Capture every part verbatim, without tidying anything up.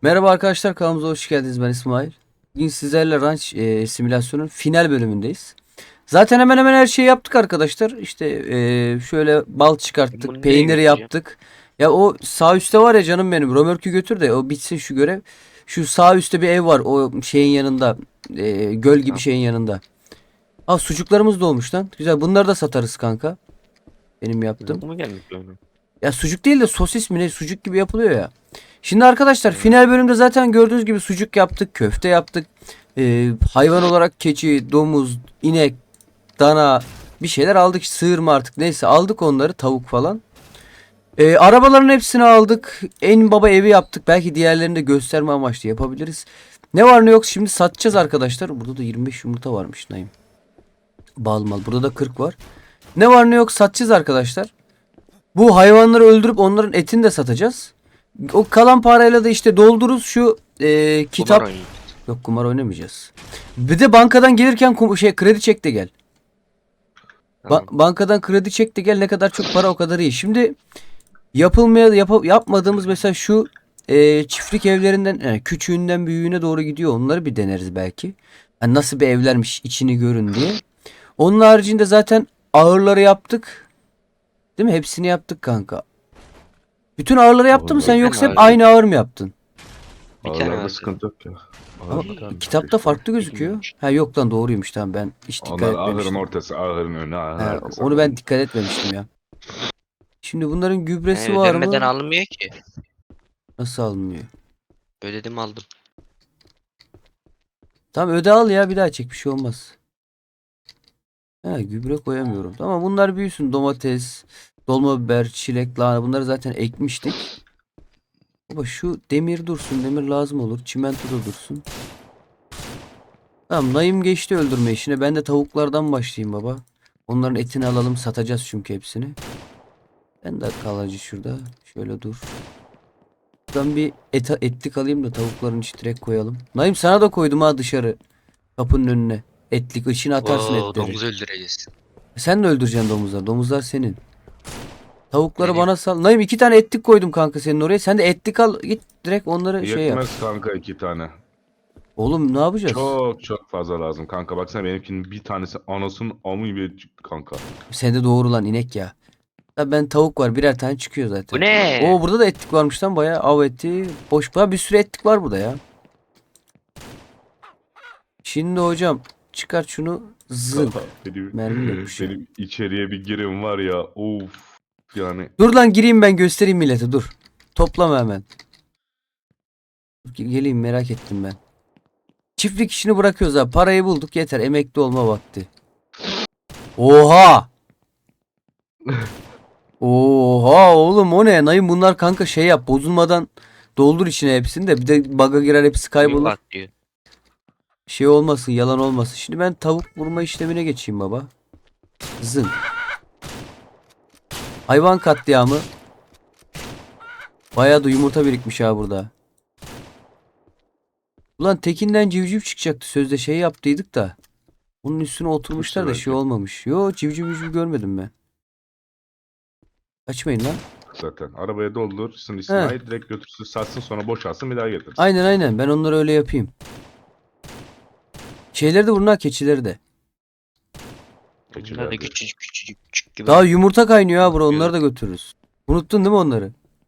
Merhaba arkadaşlar, kanalımıza hoş geldiniz. Ben İsmail. Bugün sizlerle Ranch e, simülasyonun final bölümündeyiz. Zaten hemen hemen her şeyi yaptık arkadaşlar. İşte e, şöyle bal Ben çıkarttık, bunu nereye peynir götüreceğim? yaptık. Ya o sağ üstte var ya canım benim. Römorku götür de o bitsin şu görev. Şu sağ üstte bir ev var o şeyin yanında. E, göl gibi Tamam. şeyin yanında. Aa, sucuklarımız da olmuş lan. Güzel, bunları da satarız kanka. Benim yaptım. Yok mu gelmiş oyuna? Ya sucuk değil de sosis mi ne, sucuk gibi yapılıyor ya. Şimdi arkadaşlar He. final bölümde zaten gördüğünüz gibi sucuk yaptık, köfte yaptık. Ee, hayvan olarak keçi, domuz, inek, dana bir şeyler aldık. Sığır mı artık neyse aldık onları, tavuk falan. Ee, arabaların hepsini aldık. En baba evi yaptık. Belki diğerlerini de gösterme amaçlı yapabiliriz. Ne var ne yok şimdi satacağız arkadaşlar. Burada da yirmi beş yumurta varmış Naim. Bal mal. Burada da kırk var. Ne var ne yok satacağız arkadaşlar. Bu hayvanları öldürüp onların etini de satacağız. O kalan parayla da işte doldururuz şu e, Kumar kitap. oynayacağız. Yok, kumar oynamayacağız. Bir de bankadan gelirken kum- şey kredi çek de gel. Ba- Tamam. bankadan kredi çek de gel, ne kadar çok para o kadar iyi. Şimdi yapılmaya yap- yapmadığımız mesela şu e, çiftlik evlerinden yani küçüğünden büyüğüne doğru gidiyor. Onları bir deneriz belki. Yani nasıl bir evlermiş, içini görün diye. Onun haricinde zaten ağırları yaptık. Değil mi? Hepsini yaptık kanka. Bütün ağırları yaptın mı sen, Bir Ağırlarda, tane yoksa hep ağır aynı yapacağım. ağır mı yaptın? Bir tane ağırlarda ağır sıkıntı yok ya. Ama Ağır bir tane kitapta işte. farklı gözüküyor. Bilmiyorum. Ha yok lan, doğruymuş, tamam, ben hiç dikkat Onlar ahırın etmemiştim. ortası, ahırın önü, ahırın Ha, arkası. onu ben Anladın? dikkat etmemiştim ya. Şimdi bunların He, gübresi var ödenmeden mı? alınmıyor ki. Nasıl alınmıyor? Ödedim aldım. Tamam, öde al ya, bir daha çek, bir şey olmaz. Ha, gübre koyamıyorum. Tamam, bunlar büyüsün. Domates, dolma biber, çilek, lahana, bunları zaten ekmiştik. Baba şu demir dursun. Demir lazım olur. Çimento da dursun. Tamam, Naim geçti öldürme işine. Ben de tavuklardan başlayayım baba. Onların etini alalım, satacağız çünkü hepsini. Ben de kalıcı şurada. Şöyle dur. Ben bir et, etlik alayım da tavukların içine direkt koyalım. Naim sana da koydum ha, dışarı. Kapının önüne. Etlik, içine atarsın Oo, etleri. domuz öldüreceğiz. Sen de öldüreceksin domuzları. Domuzlar senin. Tavukları Benim. bana sal. Naim iki tane etlik koydum kanka senin oraya. Sen de etlik al. Git direkt onları şey yap. Yetmez kanka iki tane. Oğlum ne yapacağız? Çok çok fazla lazım kanka. Baksana benimkinin bir tanesi anasının amı gibi çıktı kanka. Sende doğru lan, inek ya. Ya ben tavuk var, birer tane çıkıyor Bu zaten. ne? Oo, burada da etlik varmış lan, bayağı av eti. Boş bayağı bir sürü etlik var burada ya. Şimdi hocam çıkart şunu, zınk. Benim, Mermi yokmuş ya. benim içeriye bir girim var ya. Of. Yani Dur lan, gireyim ben, göstereyim millete, dur. Toplama hemen. Dur, geleyim, merak ettim ben. Çiftlik işini bırakıyoruz abi. Parayı bulduk, yeter. Emekli olma vakti. Oha! Oha oğlum, o ne? Nayım bunlar kanka, şey yap, bozulmadan doldur içine hepsini de, bir de bug'a girer hepsi Kim kaybolur. var diyor. Şey olmasın, yalan olmasın. Şimdi ben tavuk vurma işlemine geçeyim baba. Zın. Hayvan katliamı. Bayağı da yumurta birikmiş ha burada. Ulan tekinden civciv çıkacaktı. Sözde şey yaptıydık da. Onun üstüne oturmuşlar da şey severdi olmamış. Yo, civciv civciv görmedim ben. Kaçmayın lan. zaten. Arabaya doldursun He. İsmail direkt götürsün satsın sonra boşalsın bir daha getirsin. Aynen aynen, ben onları öyle yapayım. Şeyleri de vurun ha, keçileri de. Bunlar da Keçilerdi. küçücük küçücük küçük gibi. Daha yumurta kaynıyor ha bura, onları da Gözük. götürürüz. Unuttun değil mi onları?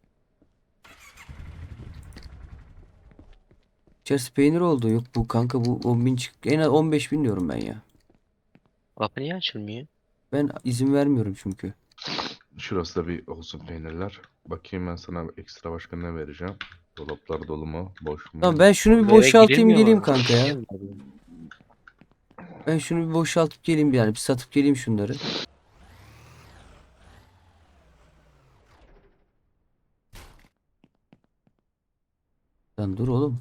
İçerisi peynir oldu. Yok bu kanka, bu on bin çık. En az on beş bin diyorum ben ya. Kapı niye açılmıyor? Ben izin vermiyorum çünkü. Şurası da bir olsun peynirler. Bakayım ben sana ekstra başka ne vereceğim. Dolaplar dolu mu? Boş mu? Tamam, ben şunu bir Bu eve boşaltayım girilmiyor geleyim mu? kanka ya. Ben şunu bir boşaltıp geleyim, yani bir satıp geleyim şunları. Lan dur oğlum.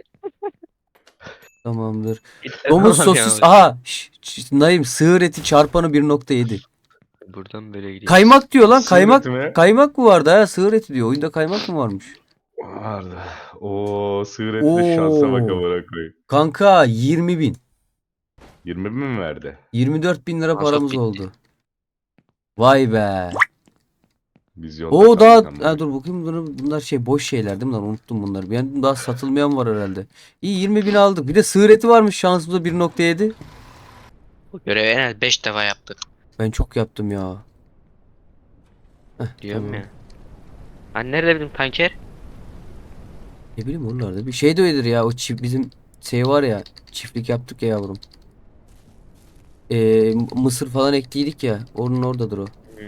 Tamamdır. Domuz sosis. Aha. Şş, şş, Naim, sığır eti çarpanı bir nokta yedi. Buradan böyle gidiyoruz. Kaymak diyor lan, Sığır kaymak. eti mi? Kaymak mı vardı ha? Sığır eti diyor. Oyunda kaymak mı varmış? Vardı. Oo sığır etli şansa bak Oo. amına koyayım. Kanka yirmi bin. yirmi bin mi verdi? yirmi dört bin lira Mazot paramız bitti. oldu. Vay be. Biz yolda Oo daha kaldık ama. ha, dur bakayım bunlar, bunlar şey boş şeyler değil mi lan? Unuttum bunları. Ben daha satılmayan var herhalde. İyi yirmi bin aldık. Bir de sığır eti varmış şansımızda bir nokta yedi. Bu görevi en az beş defa yaptık. Ben çok yaptım ya. Heh, Diyorum tamam. ya. Hani nerede bizim tanker? Ne bileyim oralarda bir şey de öyledir ya. O çift bizim şey var ya. Çiftlik yaptık ya yavrum. Ee, mısır falan ektiydik ya. Onun oradadır o. Hı.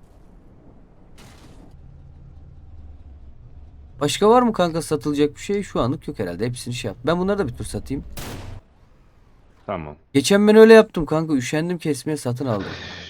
Başka var mı kanka satılacak bir şey? Şu anlık yok herhalde. Hepsini şey yap. Ben bunları da bir tur satayım. Tamam. Geçen ben öyle yaptım kanka. Üşendim kesmeye satın aldım.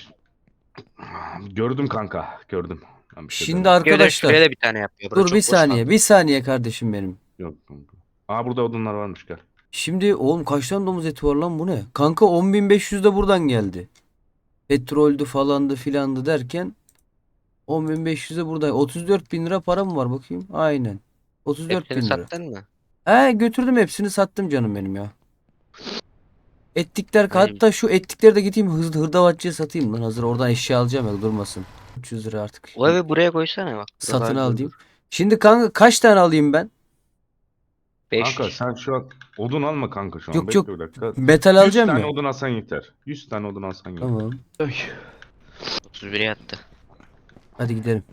Gördüm kanka. Gördüm. Ben bir şey Şimdi demiyorum. Gövde arkadaşlar. şuraya da bir tane yapıyor. Burada Dur bir çok boş saniye. kaldı. Bir saniye kardeşim benim. Yok kanka. Aa burada odunlar varmış gel. Şimdi oğlum kaç tane domuz eti var lan bu ne? Kanka on bin beş yüz de buradan geldi. Petroldü falandı filandı derken on bin beş yüz de buradan. otuz dört bin lira para mı var bakayım? Aynen. otuz dört Hepsini bin lira. sattın mı? He götürdüm hepsini sattım canım benim ya. Ettikler Benim hatta şu ettikleri de gideyim hızlı hırdavatçıya satayım lan. Hazır oradan eşya alacağım ya durmasın. üç yüz lira artık. o evi buraya koysana bak. Satın alayım. Şimdi kanka kaç tane alayım ben? beş. Kanka sen şu an odun alma kanka şu an. Yok, Bekle yok. bir dakika. Metal yüz alacağım tane ya. odun alsan yeter. yüz tane odun alsan yeter. Tamam. Ay. otuz bire yattı. Hadi gidelim.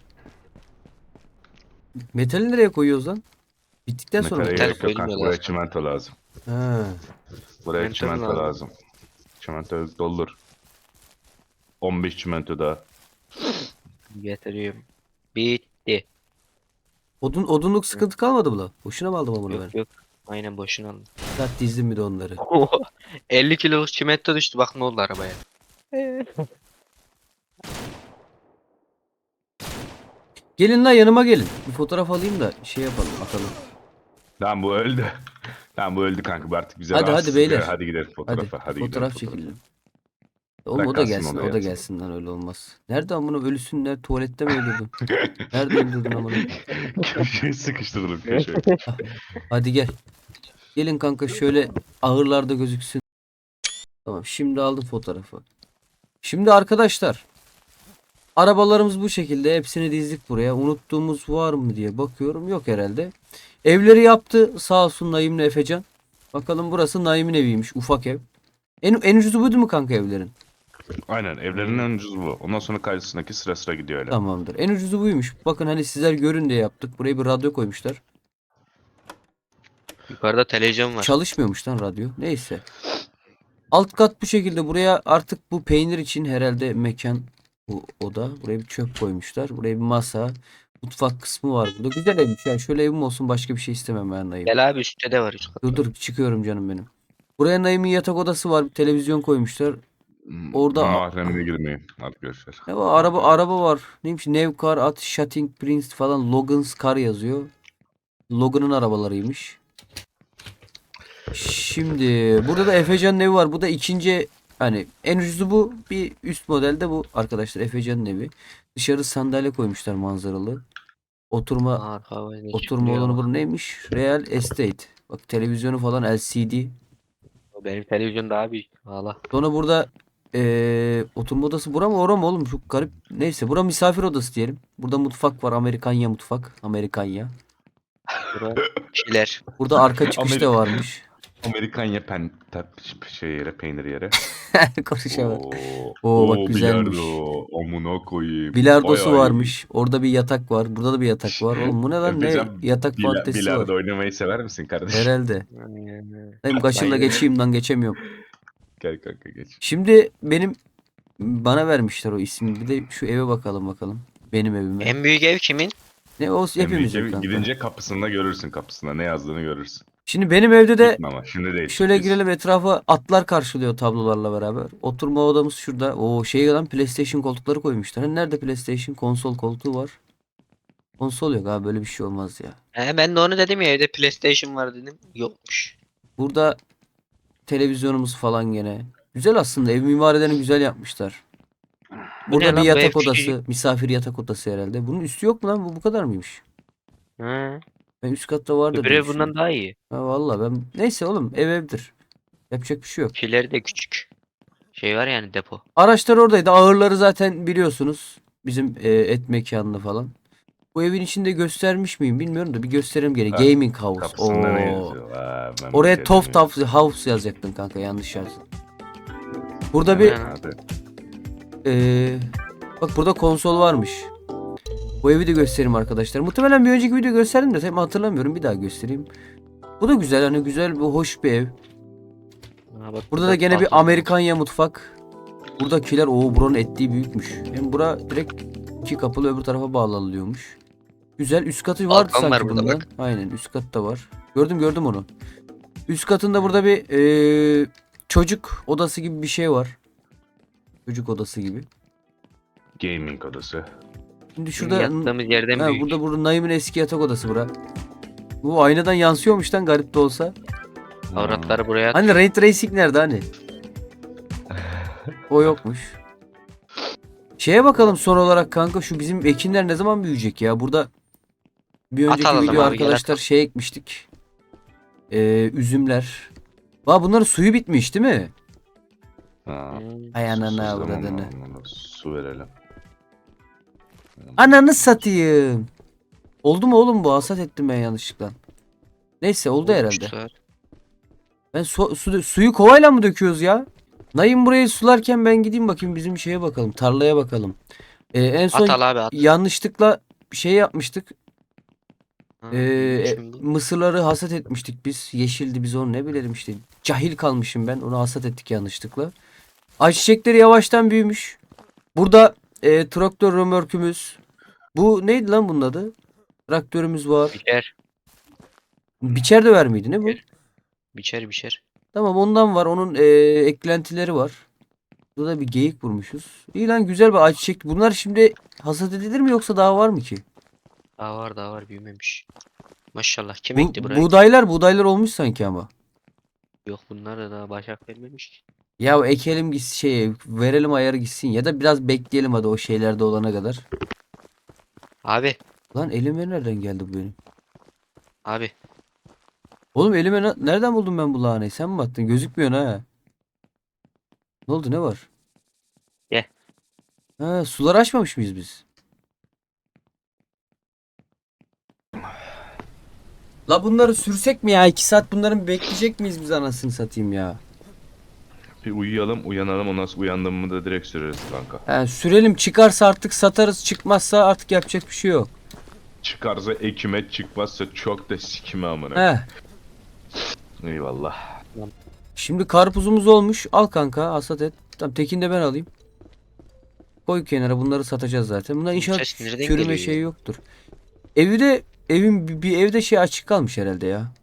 Metali nereye koyuyoruz lan? Bittikten sonra mı? Metale Metal gerek yok kanka. koyulmuyor Buraya zaten. çimento lazım. Ha. Buraya Çimento çimento lazım. lazım. Çimento doldur. on beş çimento daha. Getiriyorum. Bitti. Odun, odunluk sıkıntı kalmadı mı lan? Boşuna mı aldım ama bunu Yok ben? yok. Aynen boşuna aldım. Saat dizdim bir de onları. elli kiloluk çimento düştü bak ne oldu arabaya. Gelin lan yanıma gelin. Bir fotoğraf alayım da şey yapalım atalım. Tamam bu öldü. Tamam bu öldü kanka. Bu artık bize Hadi, hadi rahatsız. beyler. Hadi gidelim Hadi fotoğrafa. Hadi, gidelim fotoğraf fotoğrafa. çekelim. Oğlum Bırak o da kalsın, gelsin o da o da yatsın. gelsin lan öyle olmaz. Nerede amına ölüsün nerede tuvalette mi öldürdün? Nerede öldürdün amına? Köşeye sıkıştırdım köşeye. Hadi gel. Gelin kanka şöyle ağırlarda gözüksün. Tamam şimdi aldım fotoğrafı. Şimdi arkadaşlar. Arabalarımız bu şekilde. Hepsini dizdik buraya. Unuttuğumuz var mı diye bakıyorum. Yok herhalde. Evleri yaptı sağ olsun Naim'le Efecan. Bakalım burası Naim'in eviymiş. Ufak ev. En, en ucuzu buydu mu kanka evlerin? Aynen evlerinin en ucuzu bu. Ondan sonra karşısındaki sıra sıra gidiyor öyle. Tamamdır. En ucuzu buymuş. Bakın hani sizler görün diye yaptık. Buraya bir radyo koymuşlar. Yukarıda televizyon var. Çalışmıyormuş lan radyo. Neyse. Alt kat bu şekilde. Buraya artık bu peynir için herhalde mekan bu oda. Buraya bir çöp koymuşlar. Buraya bir masa. Mutfak kısmı var burada. Güzel evmiş. Yani şöyle evim olsun başka bir şey istemem ben Naim. Gel abi üstte de var üst katta. Dur dur çıkıyorum canım benim. Buraya Naim'in yatak odası var. Bir televizyon koymuşlar. Hmm, Orada- mahremine girmeyin arkadaşlar. Ne var? Araba araba var. Neymiş? Nevkar, At, Shutting Prince falan. Logan's Car yazıyor. Logan'ın arabalarıymış. Şimdi burada da Efecan'ın evi var. Bu da ikinci hani en ucuzu bu. Bir üst modelde bu arkadaşlar Efecan'ın evi. Dışarı sandalye koymuşlar manzaralı. Oturma Aa, kahve ne oturma çıkıyor olanı bak. bu neymiş? Real Estate. Bak televizyonu falan L C D. Benim televizyon daha büyük. Valla. Sonra burada eee, oturma odası bura mı ora mı oğlum? Çok garip. Neyse bura misafir odası diyelim. Burada mutfak var. Amerikanya mutfak. Amerikanya. Bura şeyler. Burada arka çıkış da Amerika- varmış. Amerikan ye pen, tat- şey yere peynir yere. Konuşamadım. Oo, Oo, bak oo, güzelmiş. bilardo. Amına koyayım. Bilardosu Bayağı iyi. varmış. Orada bir yatak var. Burada da bir yatak var. Oğlum bu ne lan? Ne Efecan, yatak Bila, fantezisi bilardo var. oynamayı sever misin kardeşim? Herhalde. Dayım kaçın da geçeyim lan geçemiyorum. Gel kanka geç. Şimdi benim bana vermişler o ismi. Bir de şu eve bakalım bakalım. Benim evime. En büyük ev kimin? Ne o Sen hepimizin bir- kanka. Gidince kapısında görürsün kapısında ne yazdığını görürsün. Şimdi benim evde de Gitme ama şimdi değil. şöyle sürpriz. girelim etrafa atlar karşılıyor tablolarla beraber. Oturma odamız şurada. O şey lan PlayStation koltukları koymuşlar. Hani nerede PlayStation konsol koltuğu var? Konsol yok abi böyle bir şey olmaz ya. He, ben de onu dedim ya evde PlayStation var dedim. Yokmuş. Burada televizyonumuz falan gene. Güzel aslında ev mimarilerini güzel yapmışlar. Bu Burada ne bir lan, bu yatak ev odası, küçücük. misafir yatak odası herhalde. Bunun üstü yok mu lan? Bu bu kadar mıymış? Hı. Ben üst katta vardı Öbür diye ev bundan düşünüyorum. daha iyi. Ha vallahi ben neyse oğlum ev evdir. Yapacak bir şey yok. Şeyleri de küçük. Şey var yani depo. Araçlar oradaydı. Ağırları zaten biliyorsunuz. Bizim e, et mekanını falan. Bu evin içinde göstermiş miyim bilmiyorum da bir gösterelim gene. Ha, Gaming House. Kapısında ne Oo. yazıyor? Ha, ben bir Oraya şey Toft demiyorum. House yazacaktın kanka, yanlış yazdın. Burada Hemen bir Hadi. e, bak burada konsol varmış. Bu evi de göstereyim arkadaşlar. Muhtemelen bir önceki video gösterdim de tam hatırlamıyorum. Bir daha göstereyim. Bu da güzel, hani güzel, bu hoş bir ev. Ha, bak, Burada da gene bir tahta- Amerikanya mutfak. Buradakiler o buranın ettiği büyükmüş. Hem bura direkt iki kapılı, öbür tarafa bağlanılıyormuş. Güzel, üst katı vardı Balkon sanki var burada bunda. bak. Aynen, üst katta var. Gördüm gördüm onu. Üst katında burada bir eee, çocuk odası gibi bir şey var. Çocuk odası gibi. Gaming odası. Şimdi Bizim şurada yattığımız yerden ha, büyük. burada burada Naim'in eski yatak odası bura. Bu aynadan yansıyormuş lan, garip de olsa. Avratları buraya Hani Ray Tracing nerede hani? O yokmuş. Şeye bakalım son olarak kanka, şu bizim ekinler ne zaman büyüyecek ya? Burada bir önceki Atalım video abi, gel arkadaşlar atalım. şey ekmiştik. Ee, üzümler. Aa, bunların suyu bitmiş değil mi? Ha. Hmm. Ay ananı susuz avradını. zamanla su verelim. Ananı satayım. Oldu mu oğlum bu? Hasat ettim ben yanlışlıkla. Neyse oldu herhalde. Olmuşlar. Ben su, su- suyu kovayla mı döküyoruz ya? Naim burayı sularken ben gideyim bakayım bizim şeye bakalım. Tarlaya bakalım. Ee, en son At al abi at. yanlışlıkla şey yapmıştık. Ha, Ee, büyümüş e, mü bu? mısırları hasat etmiştik biz. Yeşildi, biz onu ne bilelim işte. Cahil kalmışım ben. Onu hasat ettik yanlışlıkla. Ayçiçekleri yavaştan büyümüş. Burada e, traktör römorkümüz. Bu neydi lan bunun adı? Traktörümüz var. Biçer. Biçer de ver miydi ne bu? Biçer. Biçer biçer. Tamam, ondan var. Onun e, eklentileri var. Burada da bir geyik vurmuşuz. İyi lan, güzel bir ayçiçek. Bunlar şimdi hasat edilir mi yoksa daha var mı ki? Daha var daha var büyümemiş. Maşallah. Kim Bu, ekti burayı? buğdaylar buğdaylar olmuş sanki ama. Yok, bunlar da daha başak vermemiş ki. Ya ekelim gitsin, şey verelim, ayarı gitsin ya da biraz bekleyelim hadi o şeylerde olana kadar. Abi. Lan elime nereden geldi bu benim? Abi. Oğlum elime na- nereden buldum ben bu lahanayı? Sen mi attın? Gözükmüyor ha. Ne oldu, ne var? Gel. Ha, suları açmamış mıyız biz? La bunları sürsek mi ya? iki saat bunların bekleyecek miyiz biz, anasını satayım ya? Bir uyuyalım, uyanalım, ondan sonra uyandığımı da direkt süreriz kanka. Ha, sürelim, çıkarsa artık satarız, çıkmazsa artık yapacak bir şey yok. Çıkarsa ekime, çıkmazsa çok da sikime amına. He. Eyvallah. Şimdi karpuzumuz olmuş. Al kanka, hasat et. Tamam, tekini de ben alayım. Koy kenara, bunları satacağız zaten. Bunlar inşallah ses nereden çürüme geliyor şey ya? yoktur. Evi de evin bir bir evde şey açık kalmış herhalde ya.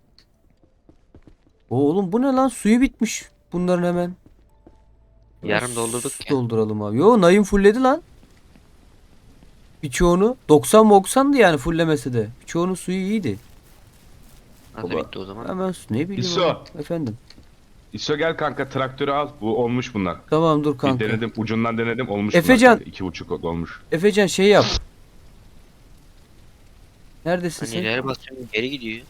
Oğlum bu ne lan, suyu bitmiş bunların hemen. Yarım Su doldurduk ya. dolduralım abi. Yo, Naim fulledi lan. Birçoğunu doksan doksandı yani fullemesi de. Birçoğunun suyu iyiydi. Nasıl Baba. bitti o zaman? Hemen su, ne bileyim İso. oğlum. Efendim. İso gel kanka, traktörü al. Bu olmuş bunlar. Tamam dur Bir kanka. denedim, ucundan denedim, olmuş Efecan. bunlar. İki buçuk olmuş. Efecan şey yap. Neredesin Hani sen? ileri basıyorum geri gidiyor.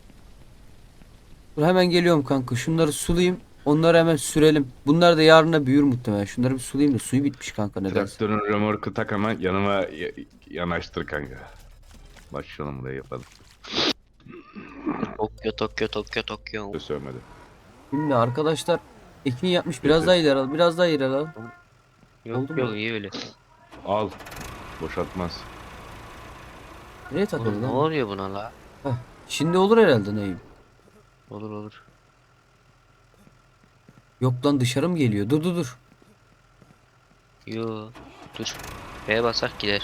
Dur hemen geliyorum kanka. Şunları sulayayım. Onları hemen sürelim. Bunlar da yarına büyür muhtemelen. Şunları bir sulayayım da, suyu bitmiş kanka nedense. Traktörün römorku tak, hemen yanıma ya- yanaştır kanka. Başlayalım, buraya yapalım. Tokyo Tokyo Tokyo Tokyo. Sövmedi. Şimdi arkadaşlar ekin yapmış. Biraz daha ileri al. Biraz daha ileri al. Yok Oldu mu? yok iyi öyle. Al. Boşaltmaz. Nereye takıldı Oğlum, ne lan? oluyor buna la? Şimdi olur herhalde neyim? Olur olur. Yok lan, dışarı mı geliyor? Dur dur dur. Yo dur. B'ye basak gider.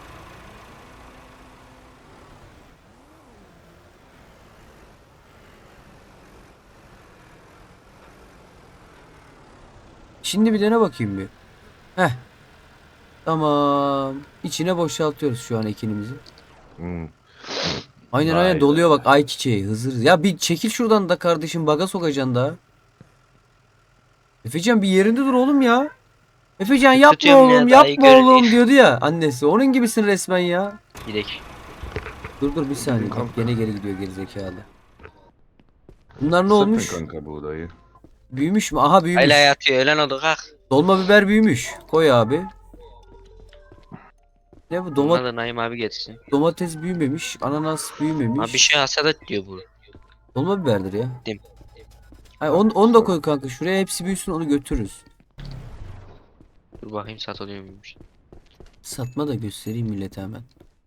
Şimdi bir dene bakayım bir. Heh. Tamam. İçine boşaltıyoruz şu an ekinimizi. Hmm. Aynen Vay aynen be. doluyor bak, ayçiçeği Hızır. Ya bir çekil şuradan da kardeşim, baga sokacaksın daha. Efecan bir yerinde dur oğlum ya. Efecan yapma Tutuyorum ya, oğlum, daha iyi yapma görünüyor. oğlum diyordu ya annesi. Onun gibisin resmen ya. Gidek. Dur dur bir saniye. Bak Kanka. gene geri gidiyor gerizekalı. Bunlar ne Satın olmuş? kanka buğdayı. Büyümüş mü? Aha büyümüş. Hala yatıyor ölen oldu kalk. Dolma biber büyümüş. Koy abi. Ne bu Onlar domat da Naim abi getirsin. domates büyümemiş, ananas büyümemiş. Abi bir şey hasadat diyor bu. Dolma biberdir ya. Değil. Ay onu, onu da koy kanka şuraya, hepsi büyüsün, onu götürürüz. Dur bakayım satılıyor muymuş. Satma da göstereyim millete hemen.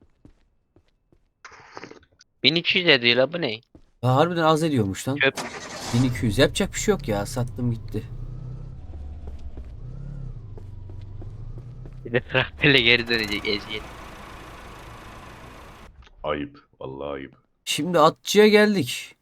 bin iki yüz ediyor la bu ne? Ha, harbiden az ediyormuş lan. Çöp. bin iki yüz, yapacak bir şey yok ya, sattım gitti. Bir de traktörle geri dönecek eziyet. Ayıp. Vallahi ayıp. Şimdi atçıya geldik.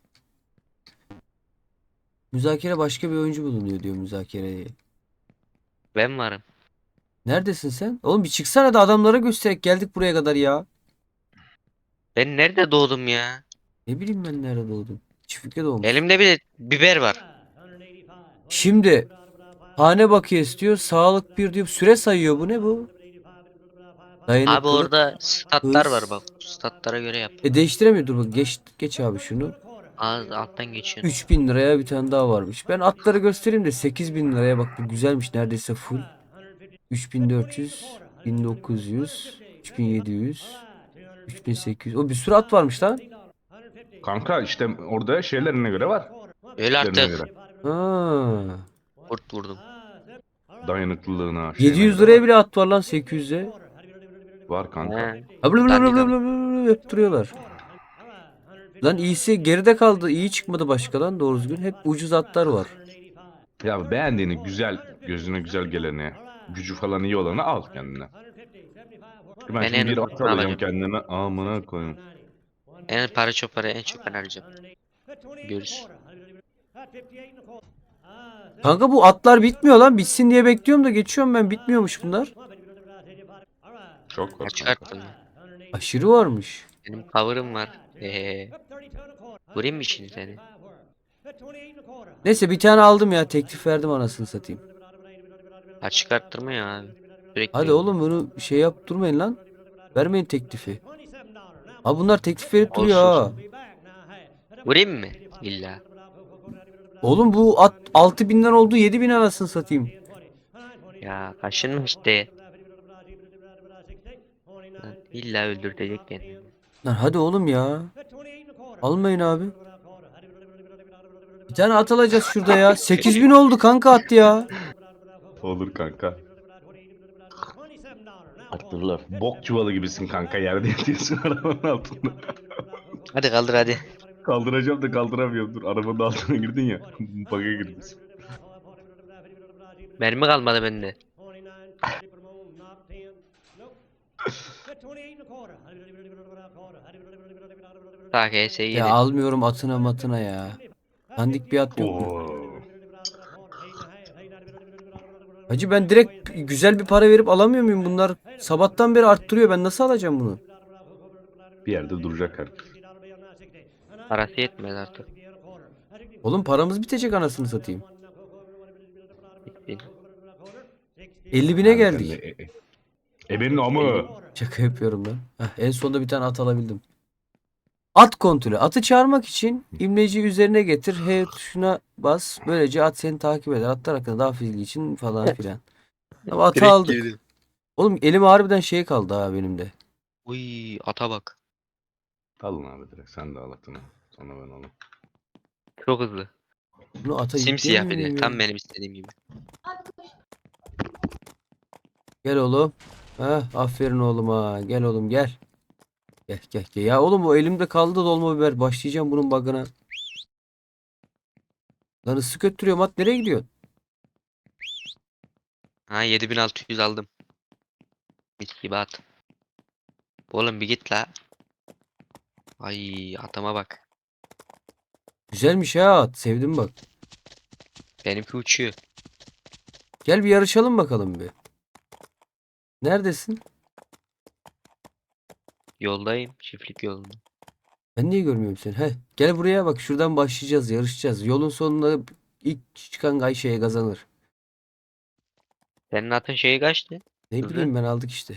Müzakere başka bir oyuncu bulunuyor diyor müzakereye. Ben varım. Neredesin sen? Oğlum bir çıksana da adamlara göstererek geldik buraya kadar ya. Ben nerede doğdum ya? Ne bileyim ben nerede doğdum. Çiftlikte doğmuş. Elimde bir de biber var. Şimdi hane bakiye istiyor. Sağlık bir diyor. Süre sayıyor. Bu ne bu? Abi Dayanıklılık. orada statlar var Hız. bak. Statlara göre yap. E değiştiremiyor. Dur bak, geç, geç abi şunu. Az alttan geçiyorsun. üç bin liraya bir tane daha varmış. Ben atları göstereyim de sekiz bin liraya, bak bu güzelmiş, neredeyse full. üç bin dört yüz, bin dokuz yüz, üç bin yedi yüz, üç bin sekiz yüz. O bir sürü at varmış lan. Kanka işte orada şeylerine göre var. Öyle Tiplerine artık. göre. Ha. Kurt vurdum. Dayanıklılığına şeyine yedi yüz göre liraya var. bile at var lan, sekiz yüze. Var kanka. He. Ha, bla bla bla Dandik bla ama. bla bla bla hep duruyorlar. Lan iyisi geride kaldı. İyi çıkmadı başka lan doğru düzgün. Hep ucuz atlar var. Ya beğendiğini, güzel, gözüne güzel geleni, gücü falan iyi olanı al kendine. Ben, Ben şimdi en bir at ucuzunu alacağım alacağım. kendime. Amına koyayım. En para çok para en çok ben harcayacağım. Görüş. Kanka bu atlar bitmiyor lan. Bitsin diye bekliyorum da geçiyorum ben. Bitmiyormuş bunlar. Çok var Kaç kanka. çıkarttın mı? Aşırı varmış. Benim cover'ım var. Eee. Vurayım mı şimdi seni? Neyse bir tane aldım ya. Teklif verdim, anasını satayım. Ha çıkarttırmıyor abi. Sürekli Hadi veriyor. oğlum bunu şey yap durmayın lan. Vermeyin teklifi. Ha bunlar teklif verip duruyor Olsun. ha. Vurayım mı? İlla. Oğlum bu at altı binden oldu yedi bin, anasını satayım. Ya kaşınma işte. Lan İlla öldürtecek kendini. Lan hadi oğlum ya. Almayın abi. Bir tane at alacağız şurada ya. sekiz bin oldu kanka at ya. Olur kanka. Arttırırlar. Bok çuvalı gibisin kanka, yerde yatıyorsun arabanın altında. Hadi kaldır hadi. Kaldıracağım da kaldıramıyorum. Dur, arabanın altına girdin ya. Bug'a girdin. Mermi kalmadı bende. Tak H S'yi Ya yedi. almıyorum atına matına ya. Dandik bir at yok mu? Oo. Hacı ben direkt güzel bir para verip alamıyor muyum? Bunlar sabahtan beri arttırıyor. Ben nasıl alacağım bunu? Bir yerde duracak herkes. Parası yetmez artık. Oğlum paramız bitecek, anasını satayım. Bitti. elli bine Yani sen de- geldik. E, e. e benim amı. Şaka yapıyorum lan. Heh, en sonunda bir tane at alabildim. At kontrolü. Atı çağırmak için imleci üzerine getir. H tuşuna bas. Böylece at seni takip eder. Atlar hakkında daha fazla bilgi için falan filan. Ama atı Direkt aldık. girdim. Oğlum elim harbiden şey kaldı ha benim de. Uy ata bak. Alın abi direkt. Sen de al atını. Sonra ben alayım. Çok hızlı. Bunu ata Simsiyah yükleyemiyor bir de. muyum ya? Tam benim istediğim gibi. Gel oğlum. Heh, aferin oğluma. Gel oğlum gel. Gel gel gel. Ya oğlum o elimde kaldı dolma biber. Başlayacağım bunun bug'ına. Lan ısı götürüyorum, at nereye gidiyor? Ha yedi bin altı yüz aldım. Mis gibi at. Oğlum bir git la. Ay atama bak. Güzelmiş ha at. Sevdim bak. Benimki uçuyor. Gel bir yarışalım bakalım bir. Neredesin? Yoldayım. Çiftlik yolunda. Ben niye görmüyorum seni? Heh, gel buraya bak, şuradan başlayacağız, yarışacağız. Yolun sonunda ilk çıkan Ayşe'ye kazanır. Senin atın şeyi kaçtı? Ne Hızı. bileyim ben, aldık işte.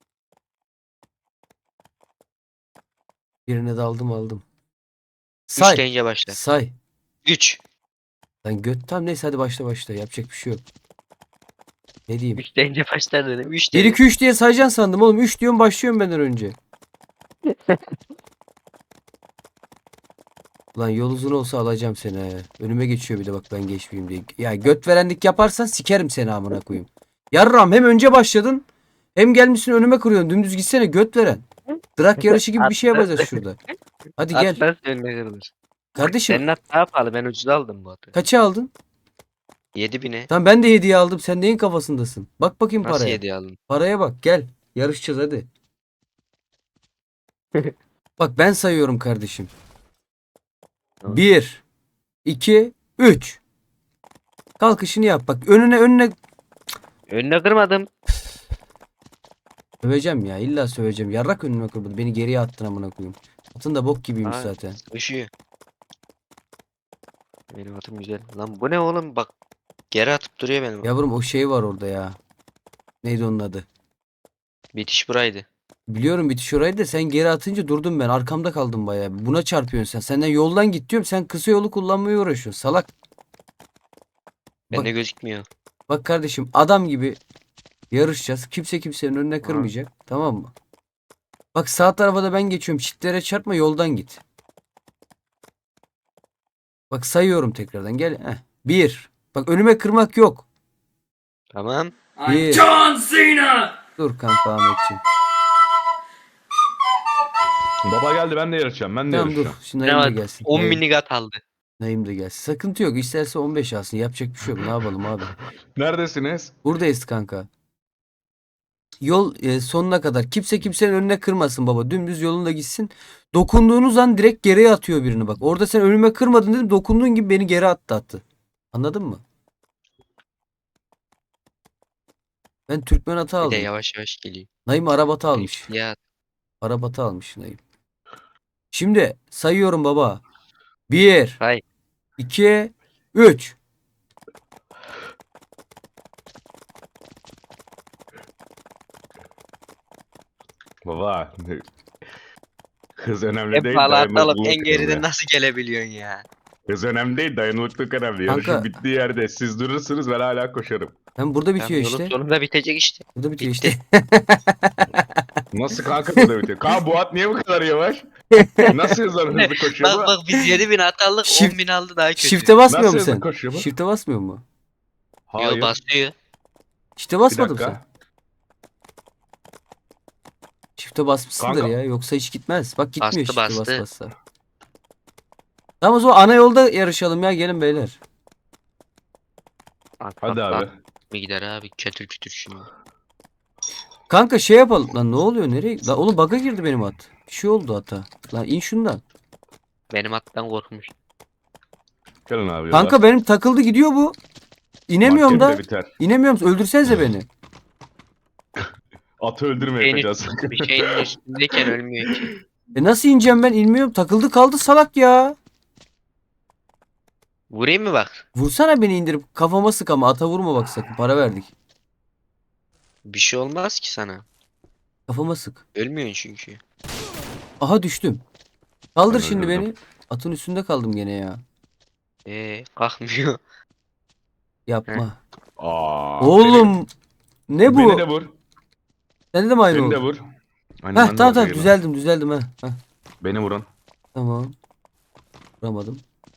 Birine de aldım aldım. Üç Say. deyince başla. Say. Üç. Lan göt tam, neyse hadi başla başla. Yapacak bir şey yok. Ne diyeyim? üç deyince başlar dedim. üç bir dedim. iki üç diye sayacaksın sandım oğlum. üç diyorum başlıyorum benden önce. Lan yol uzun olsa alacağım seni he. Önüme geçiyor bir de bak ben geçmeyeyim diye. Ya göt verenlik yaparsan sikerim seni amına koyayım. Yarram hem önce başladın hem gelmişsin önüme kırıyorsun. Dümdüz gitsene göt veren. Drak yarışı gibi bir şey yapacağız şurada. Hadi gel. Atlas önüne kırılır. Kardeşim Senin at daha pahalı. Ben ucuz aldım bu atı. kaça aldın? yedi bine. Tamam ben de hediye aldım. Sen neyin kafasındasın? Bak bakayım Nasıl paraya. hediye aldın? Paraya bak gel. Yarışacağız hadi. Bak ben sayıyorum kardeşim. Tamam. bir, iki, üç. Kalkışını yap. Bak önüne önüne Önüne kırmadım. söveceğim ya. İlla söveceğim. Yarrak önüme kırmadı. Beni geriye attın amına koyayım. Atın da bok gibiymiş Aa, zaten. Işıyor. Benim atım güzel. Lan bu ne oğlum bak. Geri atıp duruyor benim. Yavrum o şey var orada ya. Neydi onun adı? Bitiş buraydı. Biliyorum bitiş orayı da sen geri atınca durdum ben. Arkamda kaldım bayağı. Buna çarpıyorsun sen. Senden yoldan git diyorum. Sen kısa yolu kullanmaya uğraşıyorsun. Salak. Bak, Bende gözükmüyor. bak kardeşim adam gibi yarışacağız. Kimse kimsenin önüne kırmayacak. Tamam mı? Bak sağ tarafa da ben geçiyorum. Çitlere çarpma yoldan git. Bak sayıyorum tekrardan. Gel. Heh. Bir. Bak önüme kırmak yok. Tamam. Bir. John Cena! Dur kanka Ahmetciğim. Baba geldi ben de yarışacağım. Ben de Tamam dur. yarışacağım. Şimdi Ne Naim de var? gelsin. on Naim, minik at aldı. Naim de gelsin. Sıkıntı yok. İsterse on beş alsın. Yapacak bir şey yok. Ne yapalım abi? Neredesiniz? Buradayız kanka. Yol e, sonuna kadar. Kimse kimsenin önüne kırmasın baba. Dümdüz yolunda gitsin. Dokunduğunuz an direkt geriye atıyor birini bak. Orada sen önüme kırmadın dedim. Dokunduğun gibi beni geri attı attı. Anladın mı? Ben Türkmen atı Bir de aldım. yavaş yavaş geliyor. Naim arabatı almış. Ya Arabatı almış Naim. Şimdi sayıyorum baba. Bir, hay. iki, üç. Baba. Hız önemli Hep değil. pahalı at alıp dayanıklılık en geriden önemli. nasıl gelebiliyorsun ya? Hız önemli değil. Dayanıklılık önemli. Yarışın Kanka. bittiği yerde siz durursunuz ben hala koşarım. Hem burada Tamam, bitiyor yolun işte. sonunda bitecek işte. Burada bitiyor Bitti. işte. Nasıl kanka burada bitiyor? Kaan bu at niye bu kadar yavaş? Nasıl hızlı hızlı koşuyor Bak bu? bak biz yedi bin at aldık Shift- on bin aldı daha kötü. Shift'e basmıyor Nasıl musun hızlı sen? koşuyor bu? Shift'e basmıyor mu? Hayır. Yo basıyor. Shift'e Bir basmadım sen. dakika. Shift'e basmışsındır Kanka. ya. Yoksa hiç gitmez. Bak gitmiyor Bastı, shift'e bas bastı. bassa. Tamam o zaman ana yolda yarışalım ya. Gelin beyler. At, Hadi at, abi. at mı gider abi çatır çutur şimdi. Kanka şey yapalım. Lan ne oluyor? Nereye? Lan oğlum bug'a girdi benim at. Bir şey oldu ata. Lan in şundan. Benim attan korkmuş. Gelin abi yola. Kanka benim takıldı gidiyor bu. İnemiyorum da. Markette biter. İnemiyorum. Öldürsenize beni. Atı öldürme Beni- yapacağız. Bir şeyin üstündeyken ölmüyor ki. E nasıl ineceğim ben? İnmiyorum. Takıldı kaldı salak ya. Vurayım mı bak? Vursana beni indirip kafama sık ama ata vurma bak sakın. Para verdik. Bir şey olmaz ki sana. Kafama sık. Ölmüyorsun çünkü. Aha düştüm. Kaldır Ben şimdi öldürdüm. beni. Atın üstünde kaldım gene ya. Ee kalkmıyor. Yapma. Aa, Oğlum ne beni, beni bu? de vur. Sende de mi aynı Beni de oldu? vur. Aynen, Heh ben de tamam tamam bakayım. düzeldim düzeldim ha. Heh, Beni vurun. tamam. Vuramadım.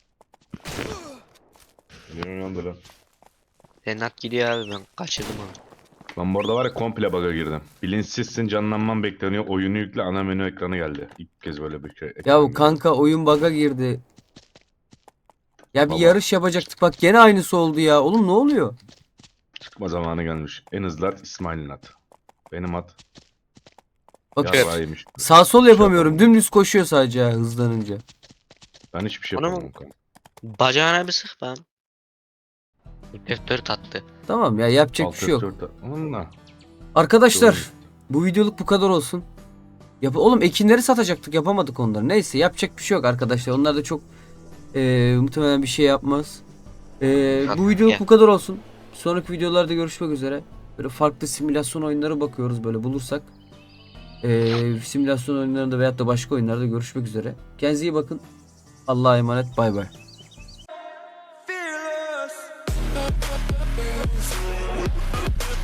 Beni uyandırın. Senin at gidiyor abi ben kaçırdım onu. Ben bu arada var ya komple bug'a girdim. Bilinçsizsin canlanman bekleniyor. Oyunu yükle ana menü ekranı geldi. İlk kez böyle bir şey. Ya ekran bu geldi. kanka oyun bug'a girdi. Ya bir Baba. yarış yapacaktık bak gene aynısı oldu ya. Oğlum ne oluyor? Çıkma zamanı gelmiş. En hızlı at İsmail'in at. Benim at. Bak Yarrağıymış. sağ sol yapamıyorum. yapamam. Dümdüz koşuyor sadece ha, hızlanınca. Ben hiçbir şey Onu mu- yapamam kanka. Bacağına bir sık ben. F dört attı. Tamam ya yapacak bir Alt şey yok. F dört at. Onunla. Arkadaşlar Doğru. bu videoluk bu kadar olsun. Yap Oğlum ekinleri satacaktık yapamadık onları. Neyse yapacak bir şey yok arkadaşlar. Onlar da çok eee, muhtemelen bir şey yapmaz. Eee, bu videoluk Ya. bu kadar olsun. Sonraki videolarda görüşmek üzere. Böyle farklı simülasyon oyunları bakıyoruz böyle bulursak. Eee, simülasyon oyunlarında veyahut da başka oyunlarda görüşmek üzere. Kendinize iyi bakın. Allah'a emanet. Bay bay. Fearless.